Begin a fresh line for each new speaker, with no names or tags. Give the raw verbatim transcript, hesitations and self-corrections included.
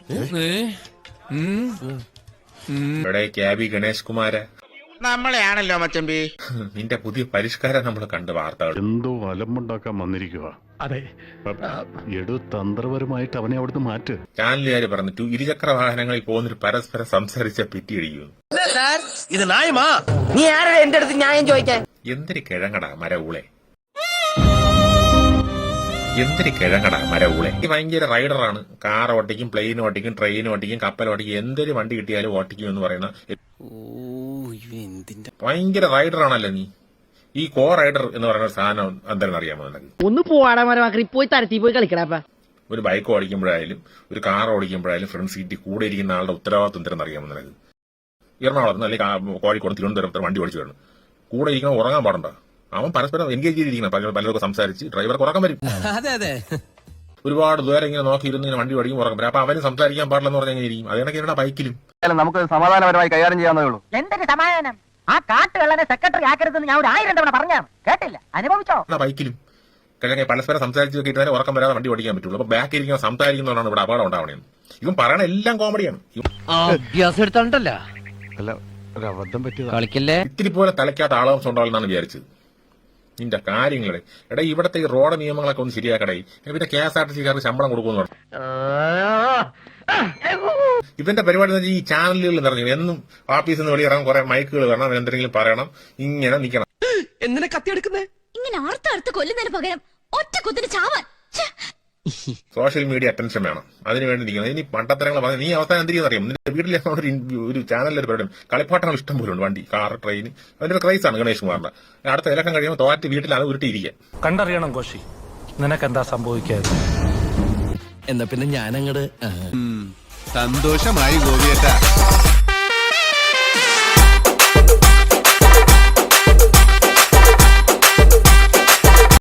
ഇവിടെ ക്യാബി ഗണേഷ് കുമാര
നമ്മളെയാണല്ലോ മച്ചമ്പി.
നിന്റെ പുതിയ പരിഷ്കാരം നമ്മൾ കണ്ട് വാർത്തകൾ
എന്തോ അലമ്പുണ്ടാക്കാൻ വന്നിരിക്കുക. അതെ, എടു തന്ത്രപരമായിട്ട് അവനെ അവിടുന്ന് മാറ്റ്.
ചാനലുകാര് പറഞ്ഞിട്ടു ഇരുചക്ര വാഹനങ്ങളിൽ പോകുന്നൊരു പരസ്പരം സംസാരിച്ച പിറ്റിയിടിക്കുന്നു.
ഇത് ന്യായമാ? നീ ആരാ എന്റെ അടുത്ത് ന്യായം ചോദിക്കാൻ?
എന്തൊരു കിഴങ്ങടാ മരഊളെ, എന്തൊരു കിഴങ്ങടാ മരഊളെ. ഈ ഭയങ്കര റൈഡറാണ്. കാർ ഓട്ടിക്കും, പ്ലെയിൻ ഓട്ടിക്കും, ട്രെയിൻ ഓട്ടിക്കും, കപ്പൽ ഓട്ടിക്കും, എന്തൊരു വണ്ടി കിട്ടിയാലും ഓട്ടിക്കും എന്ന് പറയുന്ന ഭയങ്കര റൈഡറാണല്ലോ നീ. ഈ കോ റൈഡർ എന്ന് പറയുന്ന സാധനം എന്താണെന്ന് അറിയാമോ നിനക്ക്?
ഒന്ന് പോവാടാ മരമാക്കി പോയി തരത്തി പോയി കളിക്കടാ.
ഒരു ബൈക്ക് ഓടിക്കുമ്പോഴായാലും ഒരു കാർ ഓടിക്കുമ്പോഴായാലും ഫ്രണ്ട് സീറ്റിൽ കൂടെ ഇരിക്കുന്ന ആളുടെ ഉത്തരവാദിത്വം എന്തെന്ന് അറിയാമോ നിനക്ക്? എറണാകുളത്ത് അല്ലെങ്കിൽ കോഴിക്കോട് തിരുവനന്തപുരത്ത് വണ്ടി ഓടിച്ചു വരണം, കൂടെ ഇരിക്കണം, ഉറങ്ങാൻ പാടണ്ട. അവൻ പരസ്പരം എൻഗേജ് ചെയ്തിരിക്കണം, പലർക്കും സംസാരിച്ച് ഡ്രൈവർക്ക് ഉറക്കം വരും. ഒരുപാട് ദൂരം ഇങ്ങനെ നോക്കിയിരുന്ന് ഇങ്ങനെ വണ്ടി ഓടിക്കും ഉറക്കം വരും. അപ്പൊ അവന് സംസാരിക്കാൻ പാടില്ലെന്ന് പറഞ്ഞാൽ എങ്ങനെ ഇരിക്കും? അതേണക്കെ ബൈക്കിലും
നമുക്ക് സമാധാനപരമായി കൈകാര്യം ചെയ്യാവുന്നേ ഉള്ളൂ.
എന്തൊരു സമാധാനം! ആ കാട്ടുകള്ളനെ സെക്രട്ടറി ആക്കരുതെന്ന് ഞാൻ ഒരു ആയിരം തവണ പറഞ്ഞാണ്, കേട്ടില്ല, അനുഭവിച്ചോ?
ബൈക്കിലും അല്ലെങ്കിൽ പരസ്പരം സംസാരിച്ച് നോക്കിയിട്ട് ഉറക്കം വരാതെ വണ്ടി ഓടിക്കാൻ പറ്റുള്ളൂ. അപ്പൊ ബാക്ക് ഇരിക്കുന്ന സംസാരിക്കുന്നതാണ് ഇവിടെ അപകടം ഉണ്ടാവണേന്ന്. ഇവൻ പറയണ എല്ലാം കോമഡിയാണ്.
അഭ്യാസം എടുത്തോണ്ടല്ലോ കളിക്കല്ലേ.
ഇത്തിരി പോലെ തലയ്ക്കാത്ത ആളവംശം ഉണ്ടാവില്ലെന്നാണ് വിചാരിച്ചത്. നിന്റെ കാര്യങ്ങളെ എടാ, ഇവിടത്തെ ഈ റോഡ് നിയമങ്ങളൊക്കെ ഒന്ന് ശരിയാക്കടേ. പിന്നെ കെ എസ് ആർ ടി സിക്കാർക്ക് ശമ്പളം കൊടുക്കുമെന്ന് പറഞ്ഞു. ഇവന്റെ പരിപാടി എന്ന് വെച്ചാൽ ഈ ചാനലുകളിൽ നിറഞ്ഞു എന്നും ഓഫീസിൽ നിന്ന് വെളിയിറങ്ങാൻ കുറെ മൈക്കുകൾ വരണം, എന്തെങ്കിലും പറയണം, ഇങ്ങനെ നിക്കണം.
എന്തിനാ കത്തിയെടുക്കുന്നേ?
ഇങ്ങനെ അർത്ഥ കൊല്ലുന്നതിന് പകരം ഒറ്റ കുത്തിന് ചാവാൻ.
സോഷ്യൽ മീഡിയ അറ്റൻഷൻ വേണം, അതിനുവേണ്ടി നിൽക്കണം. ഇനി പണ്ടത്തരങ്ങൾ പറഞ്ഞ നീ അവസാനം എന്തിരിക്കും അറിയാം? നിന്റെ വീട്ടിലെ ഒരു ചാനലിലൊരു പരിപാടി കളിപ്പാട്ടങ്ങൾ ഇഷ്ടം പോലും ഉണ്ട്, വണ്ടി, കാർ, ട്രെയിൻ. അതിന്റെ ഒരു ക്രൈസാണ് ഗണേഷ് കുമാറിന്റെ. അടുത്ത ഇലക്കം കഴിയുമ്പോൾ തോറ്റ് വീട്ടിലാണ് ഉരുട്ടിയിരിക്കുക.
കണ്ടറിയണം കോശി, നിനക്കെന്താ സംഭവിക്കാതെ.
എന്നാ പിന്നെ ഞാനങ്ങട്
സന്തോഷമായി ഗോപിയേട്ടാ.